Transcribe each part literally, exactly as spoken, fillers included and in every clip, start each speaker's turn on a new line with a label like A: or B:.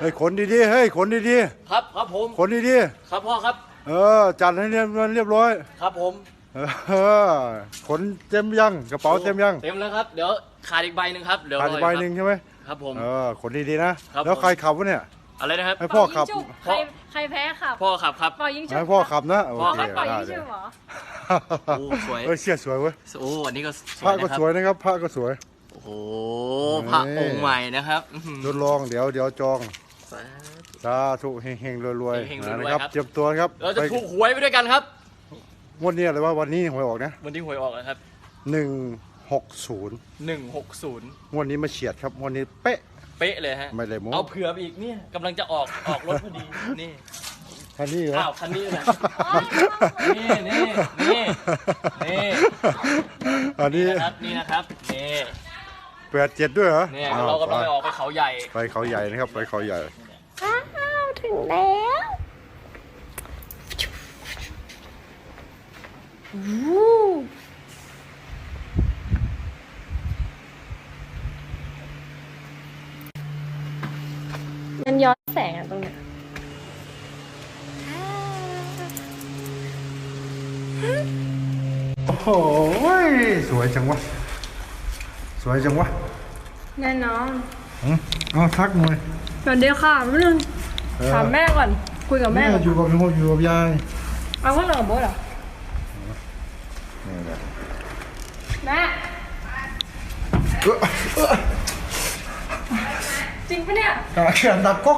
A: เฮ้ยขนดีๆเฮ้ยขนดี
B: ครับครับผม
A: ๆขนดี
B: ๆครับพ่อครับ
A: ๆเออจัดให้เรียบเรียบร้อย
B: ครับผม
A: เออขนเต็มยังกระเป๋าเต็มยัง
B: เต็มแล้วครับเดี๋ยวขาดอีกใบหนึ่งครับเดี๋ยว
A: ขาดอีกใบหนึ่งใช่ไหม
B: ครับผม
A: เออขนดีๆนะแล้วใครขับวะเนี่ย
B: อะไรนะครับ
A: ให้พ่อขับ
C: ใครใครแพ้ขับ
B: พ่อขับครับ
C: ปล่อยยิงชุบ
A: ให้พ่อขับนะโอเค
C: ปล่อยยิงชุบเหรอ
B: โอ้สวย
A: เออเชี่ยสวยเว้ย
B: โอ้อันนี้ก็
A: พระก็สวยนะครับพระก็สวย
B: โอ้โหพระองค์ใหม่นะครับ
A: ทดลองเดี๋ยวเดี๋ยวจองสาธุเฮงๆรวยๆนะครับเตรียมตัวครับ
B: เราจะถูกหวยไปด้วยกันครับ
A: วันนี้อะไรว่าวันนี้หวยออกนะ
B: วันนี้หวยออกนะครับ
A: หนึ่งหกศูนย์
B: หนึ่งหกศูนย์
A: วันนี้มาเฉียดครับวันนี้เป๊ะ
B: เป๊ะเลยฮะ
A: ไม่ได้โม้
B: เอาเผื่ออีกเนี่ยกำลังจะออกออกรถพอดีนี่
A: คันนี้เหรอ
B: อ้าวคันนี้นะนี่นี่นี่นี่
A: อันนี้
B: นะครับนี่นะครับนี่
A: แปดเจ็ดด้วยเหรอ
B: เนี่ยเรากำลังไปออกไปเขาใหญ่
A: ไปเขาใหญ่นะครับไปเขาใหญ่
C: อ้าวถึงแล้วมันย้อนแสงอ่ะตรงเนี้ย
A: โอ้โหสวยจังวะสวยจังวะ
C: แน่นอน
A: เอาทักหน่อย
C: สวัสดีค่ะพี่นึงถามแม่ก่อนคุยกับแม่
A: อยู่กับพ่ออยู่กับยาย
C: เอาพ่อหรือกับโบ๊ทเหรอแม่จริงปะเนี่ย
A: เขียนดับก๊ก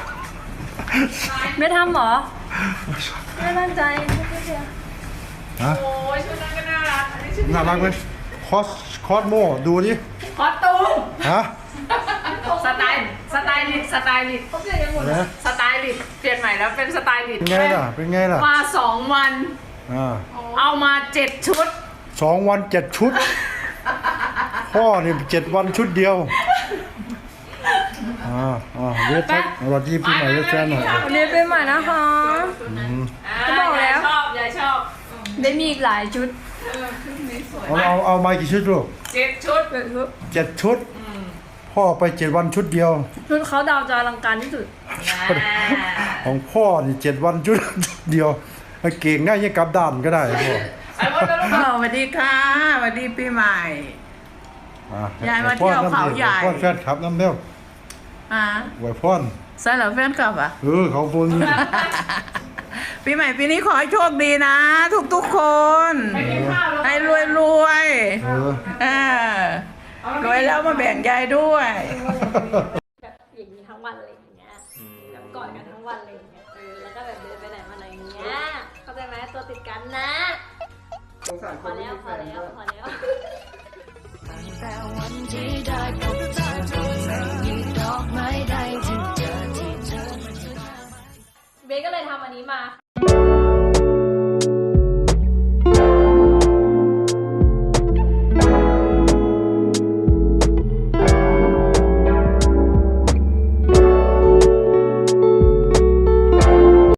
C: ไม่ทำหรอไม่ตั้งใจไม่เชื่อ
A: ฮะ
C: โอ้ยชุดนั้นก็น่ารักอันนี้ชุด
A: น่ารักไหมคอสคอสโมดูดิ
C: คอสตูม
A: ฮะ
C: สไตล์สไตล์ลิสสไตล์ลิสเขาเปลี่ยนยังหมดเลยสไตล์ลิสเปลี่ยนใหม่แล้วเป็นสไตล์ลิส
A: เป็นไงล่ะเป็นไงล่ะ
C: มาสองวันเอามาเจ็ดชุด
A: สองวันเจ็ดชุดพ่อนี่เจ็ดวันชุดเดียวอ่าอ่าเวทแท็กสวัสดีปีใหม่เวทแท็กหน่อย
C: เรียนปีใหม่นะคะก็บอกแล้วชอบยายชอบได้มีอีกหลายชุด
A: เอาเอาเอามากี่ชุดลูก
C: เจ็ดชุด
A: เจ็ดชุดพ่อไปเจ็ดวันชุดเดียว
C: ชุดเขาดาวจะอลังการที่สุด
A: ของพ่อนี่เจ็ดวันชุดเดียวเก่งได้ยังกลับด้านก็ได้พ่อ
D: สวัสดีค่ะสวัสดีปีใหม่ยายมาเที่ยวเขาใหญ่
A: พ่อแฟนคลับน้ำเลี้ยว
D: อ่า
A: ไหวพ่อน
D: ใช่เหรอแฟนคลับอ่ะ
A: เออเขาพูด
D: ปีใหม่ปีนี้ขอให้โชคดีนะทุกทุกคนให้รวยรวยเออรวยแล้วมาแบ่งยายด้วย
C: แบบอย่างนี้ทั้งวันอะไรอย่างเงี้ยแบบกอดกันทั้งวันอะไรอย่างเงี้ยเออแล้วก็แบบเดินไปไหนมาไหนอย่างเงี้ยเข้าใจไหมตัวติดกันนะพอแล้วพอแล้วพอแล้วแต่วันที่ได้พบเธอตรงไหนมีดอกไม้ใดที่เจอที่เจอเบสก็เลยทำอันนี้มา